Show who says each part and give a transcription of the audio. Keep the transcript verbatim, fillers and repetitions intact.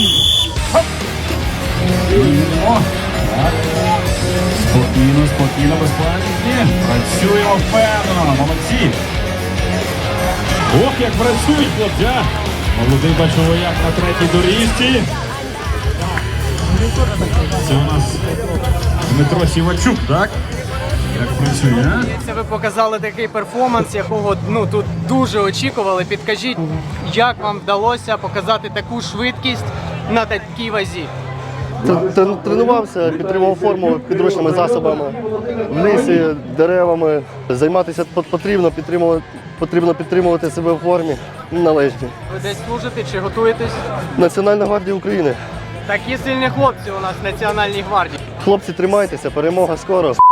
Speaker 1: О, так. Спокійно, спокійно, без паніки. Працюємо впевнено, молодці. Ох, як працюють хлопці, а! Молодий бачовояк на третій доріжці. Це у нас Дмитро Сівачук, так? Як працює, а?
Speaker 2: Це ви показали такий перформанс, якого ну тут дуже очікували. Підкажіть, як вам вдалося показати таку швидкість на такій вазі?
Speaker 3: Т- Тренувався, підтримував форму підручними засобами, в лісі, деревами. Займатися пот- потрібно, підтримувати, потрібно підтримувати себе в формі належній.
Speaker 2: Ви десь служите чи готуєтесь?
Speaker 3: Національна гвардія України.
Speaker 2: Такі сильні хлопці у нас в Національній гвардії.
Speaker 3: Хлопці, тримайтеся, перемога скоро.